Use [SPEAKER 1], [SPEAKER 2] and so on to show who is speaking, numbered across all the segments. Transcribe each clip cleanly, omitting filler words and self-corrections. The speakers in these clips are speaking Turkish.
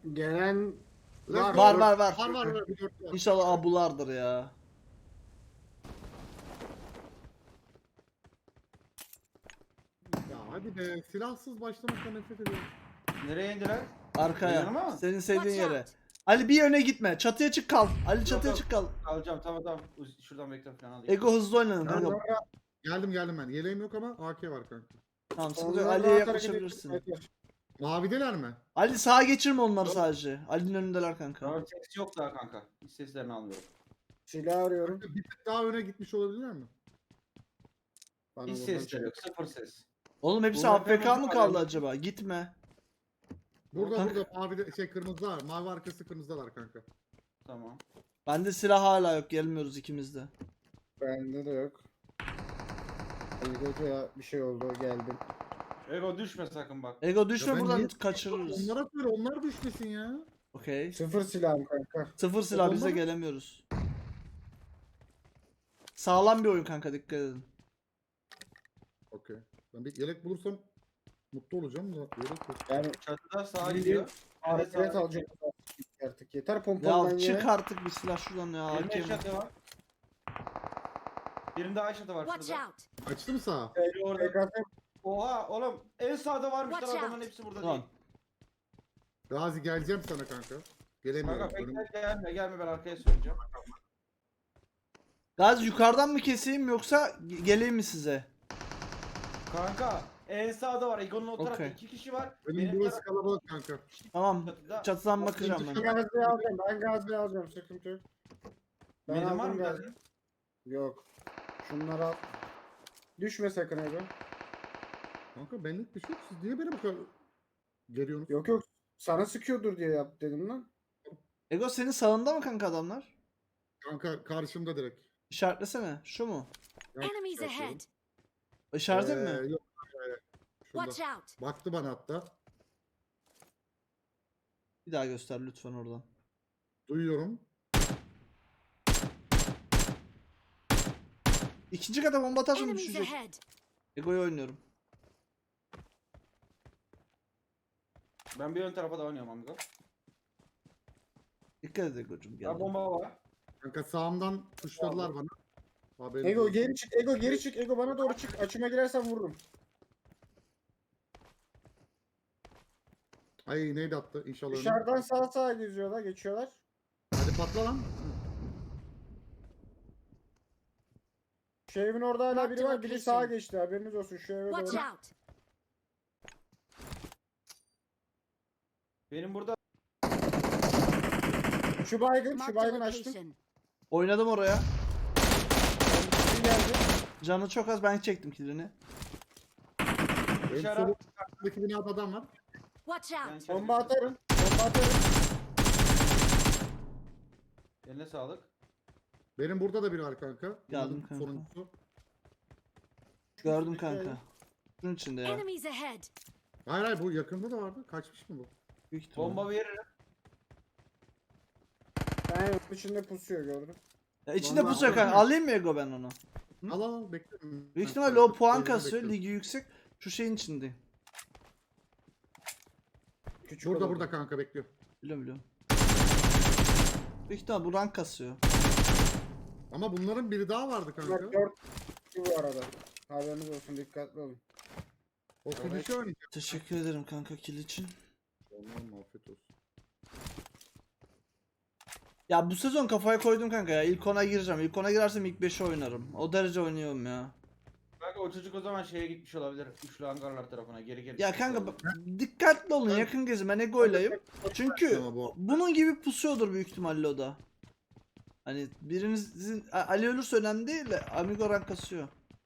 [SPEAKER 1] Gelen
[SPEAKER 2] Var
[SPEAKER 1] var.
[SPEAKER 2] var var.
[SPEAKER 3] Var. Bir dört var.
[SPEAKER 2] İnşallah abulardır ya.
[SPEAKER 3] Ya hadi be, silahsız başlamaktan nefret ediyorum.
[SPEAKER 4] Nereye indiler?
[SPEAKER 2] Arkaya.
[SPEAKER 4] Yanıma mı?
[SPEAKER 2] Senin sevdiğin
[SPEAKER 5] Watch
[SPEAKER 2] yere.
[SPEAKER 5] out.
[SPEAKER 2] Ali bir yöne gitme. Çatıya çık kal. Ali çatıya
[SPEAKER 4] yok.
[SPEAKER 2] çık kal.
[SPEAKER 4] Alacağım tamam. Şuradan bekle falan alayım.
[SPEAKER 2] Ego hızlı oynanın
[SPEAKER 1] Ben
[SPEAKER 2] kanka.
[SPEAKER 1] oraya-
[SPEAKER 3] Geldim ben. Yeleğim yok ama AK var kanka.
[SPEAKER 2] Tamam sıkıntı yok.
[SPEAKER 1] onlara
[SPEAKER 2] Ali'ye
[SPEAKER 1] rahat hareket
[SPEAKER 2] yaklaşabilirsin.
[SPEAKER 1] etmek.
[SPEAKER 3] Mavideler mi?
[SPEAKER 2] Ali sağa geçirme onları sadece. Ali'nin önündeler kanka.
[SPEAKER 4] Tamam ses yok daha kanka. Hiç seslerini almıyorum.
[SPEAKER 1] Silah arıyorum.
[SPEAKER 3] Bir tık daha öne gitmiş olabilirler mi?
[SPEAKER 1] Bana
[SPEAKER 4] Hiç
[SPEAKER 1] buradan
[SPEAKER 4] sesleri
[SPEAKER 1] çık.
[SPEAKER 4] yok. Sıfır ses.
[SPEAKER 2] Oğlum hepsi
[SPEAKER 4] Bunlar
[SPEAKER 2] AFK mı
[SPEAKER 4] hemen
[SPEAKER 2] kaldı
[SPEAKER 4] var.
[SPEAKER 2] acaba? Gitme.
[SPEAKER 3] Burada
[SPEAKER 2] Kanka.
[SPEAKER 3] mavide kırmızılar. Mavi arkası kırmızılar kanka.
[SPEAKER 4] Tamam.
[SPEAKER 2] Bende silah hala yok. Gelmiyoruz ikimiz de.
[SPEAKER 1] Bende de yok. Ego'ya bir şey oldu geldim.
[SPEAKER 4] Ego düşme sakın bak.
[SPEAKER 2] Ego düşme
[SPEAKER 3] Ya ben
[SPEAKER 2] buradan
[SPEAKER 3] niye-
[SPEAKER 2] kaçırırız.
[SPEAKER 3] Onlara söyle, onlar düşmesin ya.
[SPEAKER 2] Okey.
[SPEAKER 1] Sıfır silahım kanka.
[SPEAKER 2] Sıfır silah
[SPEAKER 3] Bomba
[SPEAKER 2] bize
[SPEAKER 3] mı?
[SPEAKER 2] gelemiyoruz. Sağlam bir oyun kanka, dikkat edin.
[SPEAKER 3] Okey. Ben bir yelek bulursam mutlu olacağım da yelek yok.
[SPEAKER 1] Yani
[SPEAKER 4] Çatıda sağa
[SPEAKER 1] Bir-
[SPEAKER 4] gidiyor.
[SPEAKER 1] hareket
[SPEAKER 4] sağa
[SPEAKER 1] alacak artık. Yeter pompalıdan
[SPEAKER 2] Ya
[SPEAKER 1] ye.
[SPEAKER 2] çık artık bir silah şuradan ya.
[SPEAKER 4] Birinde
[SPEAKER 2] hakem.
[SPEAKER 4] çatı var. Birinde Ayşe'de var
[SPEAKER 5] Watch
[SPEAKER 4] şurada.
[SPEAKER 5] out!
[SPEAKER 3] Açtı mı sağa?
[SPEAKER 4] Biri orada.
[SPEAKER 1] PKS
[SPEAKER 4] Oha oğlum en sağda varmışlar
[SPEAKER 5] Watch
[SPEAKER 4] adamın
[SPEAKER 5] out.
[SPEAKER 4] hepsi burada
[SPEAKER 2] Tamam.
[SPEAKER 4] değil.
[SPEAKER 3] Gazi geleceğim sana kanka. Gelemiyorum.
[SPEAKER 4] Kanka
[SPEAKER 3] Önüm-
[SPEAKER 4] bekle gelme ben arkaya süreceğim.
[SPEAKER 2] Gaz yukarıdan mı keseyim yoksa geleyim mi size?
[SPEAKER 4] Kanka en sağda var. Ego'nun o tarafta
[SPEAKER 2] Okey.
[SPEAKER 4] 2 kişi var.
[SPEAKER 3] Benim burası kalabalık kanka.
[SPEAKER 2] Tamam.
[SPEAKER 4] Çatıda.
[SPEAKER 2] Çatıdan bakacağım ben.
[SPEAKER 1] Gazze'yi alacağım. Ben Gazze'yi alacağım. Sıkıntı yok. Ben
[SPEAKER 4] Benim var
[SPEAKER 1] aldım
[SPEAKER 4] mı
[SPEAKER 1] Gazze'yi.
[SPEAKER 4] geldi?
[SPEAKER 1] Yok. Şunları al. Düşme sakın Ego.
[SPEAKER 3] Kanka benlik bir şey yok. Siz niye beni bu kadar geliyorsunuz?
[SPEAKER 1] Yok. Sana sıkıyordur diye yap dedim lan.
[SPEAKER 2] Ego senin sağında mı kanka adamlar?
[SPEAKER 3] Kanka karşımda direkt.
[SPEAKER 2] İşaretlesene. Şu mu?
[SPEAKER 5] Enemies ahead!
[SPEAKER 2] İşaret mi?
[SPEAKER 3] Yok. Şurada.
[SPEAKER 5] Watch out!
[SPEAKER 3] Baktı bana hatta.
[SPEAKER 2] Bir daha göster lütfen oradan.
[SPEAKER 3] Duyuyorum.
[SPEAKER 2] İkinci kata bomba atarsam
[SPEAKER 5] Enemies
[SPEAKER 2] düşecek.
[SPEAKER 5] ahead!
[SPEAKER 2] Ego'yu oynuyorum.
[SPEAKER 4] Ben bir ön tarafa da oynuyorum amigo.
[SPEAKER 2] Dikkat et Ego'cum.
[SPEAKER 4] Ya
[SPEAKER 2] Gel.
[SPEAKER 4] bomba var.
[SPEAKER 3] Kanka sağımdan tuşladılar bana. Haberin
[SPEAKER 1] Ego
[SPEAKER 3] olsun.
[SPEAKER 1] geri çık. Ego geri çık. Ego bana doğru çık. Açıma girersen vururum.
[SPEAKER 3] Ay neydi attı inşallah. önüne.
[SPEAKER 1] Dışarıdan sağa geziyorlar. Geçiyorlar.
[SPEAKER 3] Hadi patla lan.
[SPEAKER 1] Şu evin orada hala
[SPEAKER 5] Mark
[SPEAKER 1] biri
[SPEAKER 5] the
[SPEAKER 1] var. Biri
[SPEAKER 5] location.
[SPEAKER 1] sağa geçti. Haberiniz olsun. Şu eve
[SPEAKER 5] Watch
[SPEAKER 1] doğru.
[SPEAKER 5] out!
[SPEAKER 4] Benim burada
[SPEAKER 1] Şu baygın.
[SPEAKER 5] Mark
[SPEAKER 1] Şu
[SPEAKER 5] the
[SPEAKER 1] baygın açtım.
[SPEAKER 5] location.
[SPEAKER 2] Oynadım oraya.
[SPEAKER 1] Kim geldi?
[SPEAKER 2] Canı çok az, ben çektim kilini.
[SPEAKER 3] Benim
[SPEAKER 4] Dışarı-
[SPEAKER 3] sol tarafındaki binada adam var.
[SPEAKER 5] Watch
[SPEAKER 4] ben
[SPEAKER 5] out!
[SPEAKER 1] Bomba atarım. Bomba atarım.
[SPEAKER 4] Eline sağlık.
[SPEAKER 3] Benim burada da biri var kanka.
[SPEAKER 2] Geldim
[SPEAKER 3] Bunların
[SPEAKER 2] kanka.
[SPEAKER 3] Sonuncusu.
[SPEAKER 2] Gördüm kanka. Şunun içinde ya.
[SPEAKER 5] Enemies ahead!
[SPEAKER 3] Hayır bu yakında da vardı. Kaçmış mı bu?
[SPEAKER 2] Büyük ihtimalle.
[SPEAKER 4] Bomba veririm.
[SPEAKER 1] Ben onun içinde pusuyor gördüm.
[SPEAKER 2] Ya içinde
[SPEAKER 3] Vallahi
[SPEAKER 2] pusacak kanka.
[SPEAKER 3] aldım.
[SPEAKER 2] Alayım mı Ego ben onu? Hı?
[SPEAKER 3] Al bekle.
[SPEAKER 2] Büyük ihtimalle o puan kasıyor. Ligi yüksek. Şu şeyin içinde.
[SPEAKER 1] Küçük
[SPEAKER 3] Burada
[SPEAKER 1] olan.
[SPEAKER 3] burada kanka bekliyor.
[SPEAKER 2] Biliyorum. Büyük ihtimalle bu rank kasıyor.
[SPEAKER 3] Ama bunların biri daha vardı
[SPEAKER 1] Bak
[SPEAKER 3] kanka.
[SPEAKER 1] 4 bu arada. Haberiniz olsun, dikkatli olun.
[SPEAKER 3] O finish'i oynayacak.
[SPEAKER 2] Teşekkür ederim kanka kill için.
[SPEAKER 3] Allah'ım afiyet olsun.
[SPEAKER 2] Ya bu sezon kafaya koydum kanka ya. İlk 10'a gireceğim. İlk 10'a girersem ilk 5'e oynarım. O derece oynuyorum ya.
[SPEAKER 4] Kanka o çocuk o zaman şeye gitmiş olabilir. Üçlü hangarlar tarafına geri geri.
[SPEAKER 2] Ya
[SPEAKER 4] gitmiş
[SPEAKER 2] kanka
[SPEAKER 4] olabilir.
[SPEAKER 2] dikkatli olun, yakın gezin. Ben Ego'ylayım. Çünkü
[SPEAKER 3] Ama bu
[SPEAKER 2] bunun gibi pusuyordur büyük ihtimalle o da. Hani birinizin Ali ölürse önemli değil de Amigo rank kasıyor.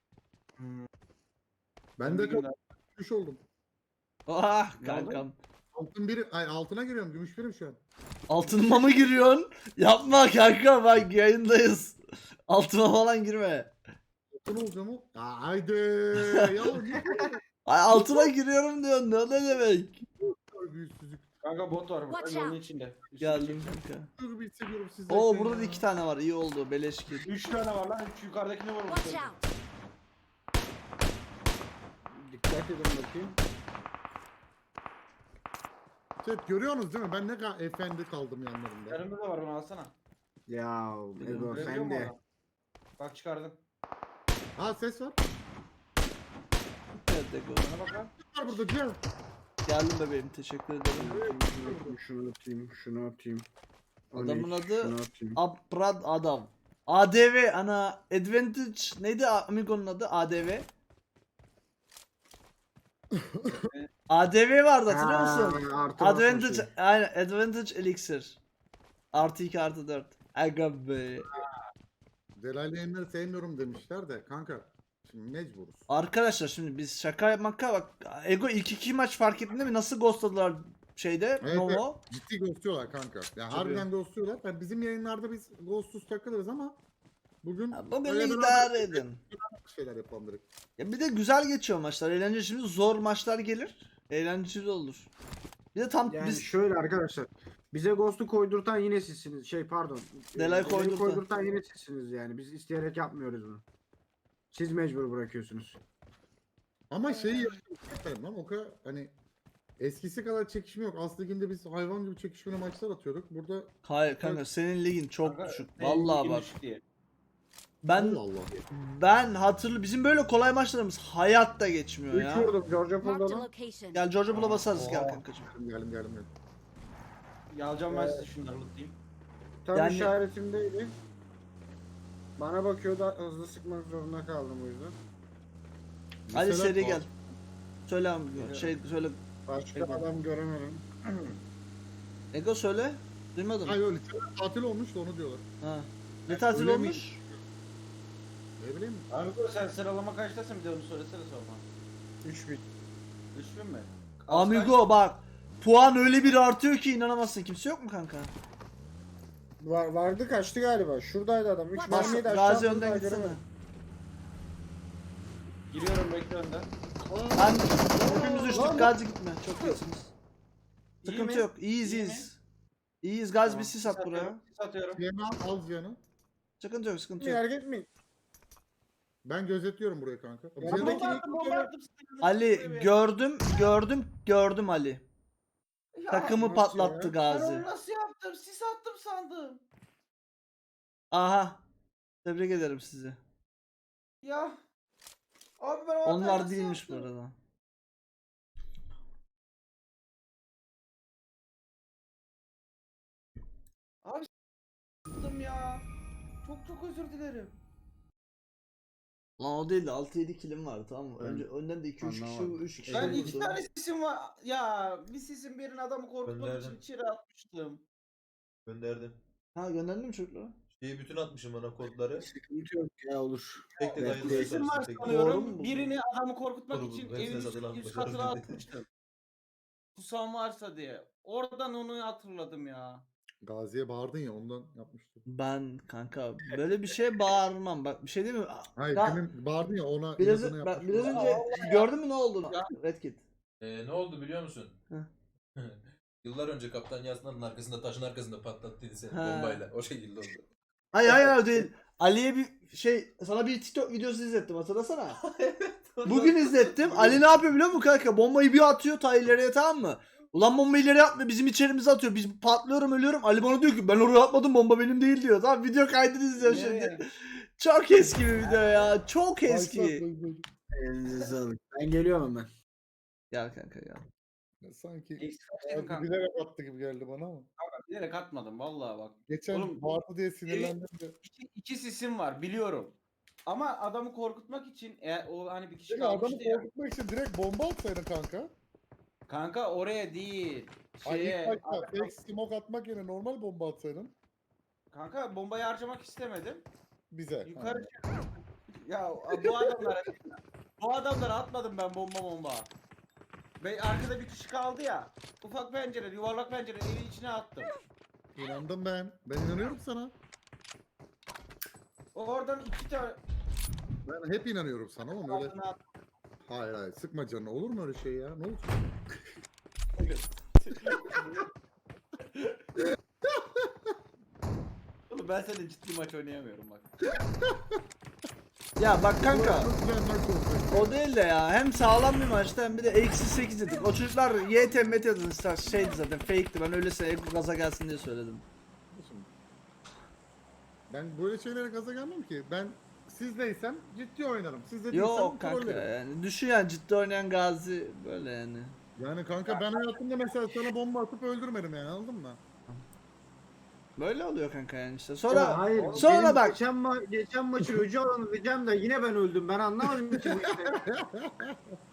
[SPEAKER 3] ben de
[SPEAKER 4] Bir gün daha-
[SPEAKER 3] gümüş oldum.
[SPEAKER 2] Ah
[SPEAKER 4] Ne oldu?
[SPEAKER 2] kankam.
[SPEAKER 3] Altın biri, ay altına giriyorum. Gümüş birim şu an.
[SPEAKER 2] Altınıma mı giriyorsun? Yapma kanka, bak yayındayız. Altıma falan girme.
[SPEAKER 3] Altın olacağım o. Aa, haydi. Ya ne
[SPEAKER 2] Ay altına giriyorum diyorsun, ne demek?
[SPEAKER 3] kadar büyüsüzlük.
[SPEAKER 4] Kanka bot var burada
[SPEAKER 5] Watch
[SPEAKER 4] yolun
[SPEAKER 5] out.
[SPEAKER 4] içinde.
[SPEAKER 2] Geldim kanka.
[SPEAKER 3] Dur bir hissediyorum sizde.
[SPEAKER 2] Oo burada da 2 tane var, iyi oldu, beleş kill.
[SPEAKER 4] 3 tane var lan. Şu yukarıdakini vurmuş.
[SPEAKER 5] Watch out!
[SPEAKER 1] Dikkat edin bakayım.
[SPEAKER 3] Chat görüyorsunuz değil mi? Ben ne kadar efendi kaldım yanlarında.
[SPEAKER 4] Yanımda da var, onu alsana.
[SPEAKER 1] Ya Ego
[SPEAKER 4] Görebiliyor
[SPEAKER 1] sen
[SPEAKER 4] musun
[SPEAKER 1] de.
[SPEAKER 4] onu? Bak çıkardım.
[SPEAKER 3] Ha ses var.
[SPEAKER 2] Evet Ego.
[SPEAKER 4] Bana bak lan.
[SPEAKER 3] Var burada Cihan.
[SPEAKER 2] Geldim bebeğim, teşekkür ederim.
[SPEAKER 1] Şunu atayım, şunu atayım.
[SPEAKER 2] Adamın
[SPEAKER 1] 13,
[SPEAKER 2] adı
[SPEAKER 1] şunu atayım.
[SPEAKER 2] Abrad Adam. ADV ana Advantage neydi Amigo'nun adı? ADV. ADV vardı, hatırlıyor musun?
[SPEAKER 1] Ha, artı
[SPEAKER 2] Advantage,
[SPEAKER 1] basmışım.
[SPEAKER 2] aynen Advantage Elixir. Artı 2 artı 4. Aga be.
[SPEAKER 3] Delal yayınları sevmiyorum demişler de kanka. Şimdi mecburuz.
[SPEAKER 2] Arkadaşlar şimdi biz şaka yapmakla bak, Ego ilk 2 maç fark ettin değil mi? Nasıl ghostladılar şeyde
[SPEAKER 3] Evet,
[SPEAKER 2] Novo.
[SPEAKER 3] Ciddi ghostluyorlar kanka. Yani harbiden ghostluyorlar. Yani bizim yayınlarda biz ghostsuz takılırız ama bugün
[SPEAKER 2] Ya bugün
[SPEAKER 3] öyle bir
[SPEAKER 2] idare edin.
[SPEAKER 3] şeyler yapalım direkt.
[SPEAKER 2] Ya bir de güzel geçiyor maçlar. Eğlenceli, şimdi zor maçlar gelir. Eğlenceli olur. Bir de tam
[SPEAKER 1] Yani
[SPEAKER 2] biz
[SPEAKER 1] şöyle arkadaşlar. Bize Ghost'u koydurtan yine sizsiniz. Pardon.
[SPEAKER 2] Delay koydurtan.
[SPEAKER 1] yine sizsiniz yani. Biz isteyerek yapmıyoruz bunu. Siz mecbur bırakıyorsunuz.
[SPEAKER 3] Ama şeyi yapıyorum lan o kadar hani eskisi kadar çekişme yok. Aslı liginde biz hayvan gibi çekişmeli maçlar atıyorduk. Burada
[SPEAKER 2] hayır kanka, senin ligin çok
[SPEAKER 4] Kanka,
[SPEAKER 2] düşük.
[SPEAKER 4] senin
[SPEAKER 2] Vallahi
[SPEAKER 4] ligin
[SPEAKER 2] bak.
[SPEAKER 4] düşük diye.
[SPEAKER 2] Ben
[SPEAKER 3] Allah Allah.
[SPEAKER 2] bizim böyle kolay maçlarımız hayatta geçmiyor
[SPEAKER 1] 3
[SPEAKER 2] ya.
[SPEAKER 1] vurdum Georgia
[SPEAKER 5] Marked a
[SPEAKER 1] Pool'da.
[SPEAKER 5] location.
[SPEAKER 2] Gel Georgia Bull'a basarız,
[SPEAKER 4] Oha.
[SPEAKER 2] gel kankacığım.
[SPEAKER 3] Geldim.
[SPEAKER 4] Yalacağım ben size şunları lootlayayım.
[SPEAKER 1] Tam
[SPEAKER 2] Yani-
[SPEAKER 1] işaretimdeydi. Bana bakıyordu, hızlı sıkmak zorunda kaldım o yüzden.
[SPEAKER 2] Hadi
[SPEAKER 3] Mesela-
[SPEAKER 2] seri gel. Söyle abi, şey söyle.
[SPEAKER 1] Başka
[SPEAKER 4] Eyvallah.
[SPEAKER 1] adam göremedim.
[SPEAKER 2] Ego söyle. Duymadım.
[SPEAKER 3] Hayır öyle tatil olmuş da onu diyorlar.
[SPEAKER 2] Ha. Ne tatil
[SPEAKER 3] Öyle mi?
[SPEAKER 2] olmuş?
[SPEAKER 3] Ne bileyim.
[SPEAKER 4] Abi sen sıralama kaçtasın, bir de onu söylesene sorma.
[SPEAKER 1] 3000.
[SPEAKER 4] 3000 mi?
[SPEAKER 2] Amigo bak. Puan öyle bir artıyor ki inanamazsın. Kimse yok mu kanka?
[SPEAKER 1] Vardı, kaçtı galiba. Şuradaydı adam. 3
[SPEAKER 5] Bas,
[SPEAKER 1] mermiyi de aşağı
[SPEAKER 2] Gazi
[SPEAKER 1] attı,
[SPEAKER 2] önden
[SPEAKER 1] daha
[SPEAKER 2] gitsene.
[SPEAKER 1] göremedim.
[SPEAKER 4] Giriyorum, bekle önden.
[SPEAKER 2] Ben hepimiz düştük. Gazi gitme. Çok iyisiniz.
[SPEAKER 4] İyi
[SPEAKER 2] Sıkıntı
[SPEAKER 4] mi?
[SPEAKER 2] yok. İyiyiz
[SPEAKER 4] İyi mi?
[SPEAKER 2] iyiyiz. İyiyiz. Gazi bir
[SPEAKER 4] Tamam,
[SPEAKER 2] sis at buraya.
[SPEAKER 4] atıyorum, sis atıyorum.
[SPEAKER 3] Cihan'ı al Cihan'ı.
[SPEAKER 2] Sıkıntı yok, sıkıntı
[SPEAKER 1] Bir
[SPEAKER 2] yok.
[SPEAKER 1] hareket mi?
[SPEAKER 3] Ben gözetliyorum burayı kanka.
[SPEAKER 1] Ya
[SPEAKER 3] Cihan'ı-
[SPEAKER 1] buradaki-
[SPEAKER 4] Bomba attım.
[SPEAKER 2] Ali gördüm Ali.
[SPEAKER 4] Ya,
[SPEAKER 2] Takımı
[SPEAKER 1] maç
[SPEAKER 2] patlattı
[SPEAKER 1] ya.
[SPEAKER 4] Ben
[SPEAKER 2] Gazi.
[SPEAKER 4] onu nasıl yaptım? Sis attım sandım.
[SPEAKER 2] Aha. Tebrik ederim sizi.
[SPEAKER 4] Ya. Abi ben o hatayı
[SPEAKER 2] Onlar
[SPEAKER 4] nasıl
[SPEAKER 2] değilmiş bu
[SPEAKER 4] yaptım?
[SPEAKER 2] arada.
[SPEAKER 4] Yaptım ya. Çok özür dilerim.
[SPEAKER 2] Lan o değil de 6-7 kilim vardı, tamam mı?
[SPEAKER 3] Ben
[SPEAKER 2] Önce önden de 2-3 kişi
[SPEAKER 3] anlamadım.
[SPEAKER 2] 3 kişi
[SPEAKER 4] Ben
[SPEAKER 3] Evet,
[SPEAKER 4] iki
[SPEAKER 2] vurdu.
[SPEAKER 4] tane sisim var. Ya bir sisim birinin adamı korkutmak için
[SPEAKER 6] Gönderdim.
[SPEAKER 4] içeri atmıştım.
[SPEAKER 6] Gönderdim.
[SPEAKER 2] Ha, gönderdin mi çocuklara?
[SPEAKER 6] Şeyi bütün atmışım bana kodları.
[SPEAKER 1] Sıkıntı yok ya, olur.
[SPEAKER 6] Tek tek
[SPEAKER 1] Evet,
[SPEAKER 6] ayrılmaya
[SPEAKER 4] Sisim var
[SPEAKER 6] çalıştım. Tek tek.
[SPEAKER 2] Doğru
[SPEAKER 4] sanıyorum.
[SPEAKER 2] mu bu?
[SPEAKER 4] Birini adamı korkutmak
[SPEAKER 6] Doğru bu.
[SPEAKER 4] için
[SPEAKER 6] Hepsine
[SPEAKER 4] evin
[SPEAKER 6] satılan
[SPEAKER 4] üst
[SPEAKER 6] başarı
[SPEAKER 4] katına
[SPEAKER 6] dedi.
[SPEAKER 4] atmıştım. Kusam varsa diye. Oradan onu hatırladım ya.
[SPEAKER 3] Gazi'ye bağırdın ya ondan yapmıştım.
[SPEAKER 2] Ben kanka böyle bir şeye bağırmam. Bak bir şey değil mi?
[SPEAKER 3] Hayır
[SPEAKER 2] Ya,
[SPEAKER 3] demin bağırdın ya ona
[SPEAKER 2] biraz,
[SPEAKER 3] inadına
[SPEAKER 2] bak,
[SPEAKER 3] yapmıştım.
[SPEAKER 2] biraz önce gördün mü ne oldu?
[SPEAKER 4] Ya.
[SPEAKER 2] Red Kit.
[SPEAKER 6] Ne oldu biliyor musun?
[SPEAKER 2] Hı.
[SPEAKER 6] Yıllar önce Kaptan Yasna'nın arkasında taşın arkasında patlattıydı seni
[SPEAKER 2] Ha.
[SPEAKER 6] bombayla. O şekilde oldu.
[SPEAKER 2] Hayır değil. Ali'ye bir şey, sana bir TikTok videosu izlettim, hatırlasana. Bugün izlettim. Ali ne yapıyor biliyor musun kanka? Bombayı bir atıyor ta ileriye, tamam mı? Ulan bombayı ileriye atmıyor, bizim içerimize atıyor. Biz patlıyorum, ölüyorum. Ali bana diyor ki ben oraya atmadım, bomba benim değil diyor. Tamam, video kaydını izliyorum
[SPEAKER 4] Nereye?
[SPEAKER 2] şimdi. Çok eski bir video ya. Çok eski.
[SPEAKER 1] Elinize sağlık. Ben geliyorum hemen.
[SPEAKER 2] Gel kanka ya.
[SPEAKER 3] Sanki
[SPEAKER 4] Eksik atayım
[SPEAKER 3] Gazi
[SPEAKER 4] kanka.
[SPEAKER 3] bilerek attı gibi geldi bana ama.
[SPEAKER 4] Bilerek atmadım vallahi bak.
[SPEAKER 3] Geçen
[SPEAKER 4] Oğlum,
[SPEAKER 3] bağırdı diye sinirlendim de.
[SPEAKER 4] İki sisim var biliyorum. Ama adamı korkutmak için o hani bir kişi
[SPEAKER 3] Peki adamı
[SPEAKER 4] kalmıştı ya.
[SPEAKER 3] korkutmak için direkt bomba atsaydın kanka.
[SPEAKER 4] Kanka oraya değil.
[SPEAKER 3] Ay
[SPEAKER 4] Şeye.
[SPEAKER 3] ilk başta fake smoke atmak yerine normal bomba atsaydın.
[SPEAKER 4] Kanka bombayı harcamak istemedim.
[SPEAKER 3] Bize.
[SPEAKER 4] Yukarı ya bu adamlara atmadım ben bomba. Ve arkada bir kişi kaldı ya. Ufak pencere, yuvarlak pencere evin içine attım.
[SPEAKER 3] İnandım ben. Ben inanıyorum sana.
[SPEAKER 4] Oradan iki tane
[SPEAKER 3] Ben hep inanıyorum sana ama öyle.
[SPEAKER 4] altına attım.
[SPEAKER 3] Hayır sıkma canını. Olur mu öyle şey ya? Ne olacak?
[SPEAKER 4] Oğlum ben seninle ciddi maç oynayamıyorum bak.
[SPEAKER 2] Ya bak kanka.
[SPEAKER 3] Çok güzel maç olacak.
[SPEAKER 2] O değil de ya. Hem sağlam bir maçtı hem bir de eksi 8 dedik. O çocuklar YT met yazmışlar. Şeydi zaten fake'ti. Ben öylesine gaza gelsin diye söyledim.
[SPEAKER 3] Ben böyle şeylere gaza gelmem ki. Ben sizleysem ciddi oynarım. Siz de değilsem
[SPEAKER 2] Yok kanka
[SPEAKER 3] trollerim.
[SPEAKER 2] yani. Düşün yani ciddi oynayan Gazi böyle yani.
[SPEAKER 3] Yani kanka ben hayatımda mesela sana bomba atıp öldürmedim yani, anladın mı?
[SPEAKER 2] Böyle oluyor kanka yani işte.
[SPEAKER 1] Ya
[SPEAKER 2] Sonra
[SPEAKER 1] hayır.
[SPEAKER 2] sonra
[SPEAKER 1] benim
[SPEAKER 2] bak.
[SPEAKER 1] Geçen maçı öcü alanı diyeceğim de yine ben öldüm. Ben anlamadım ki bu işi.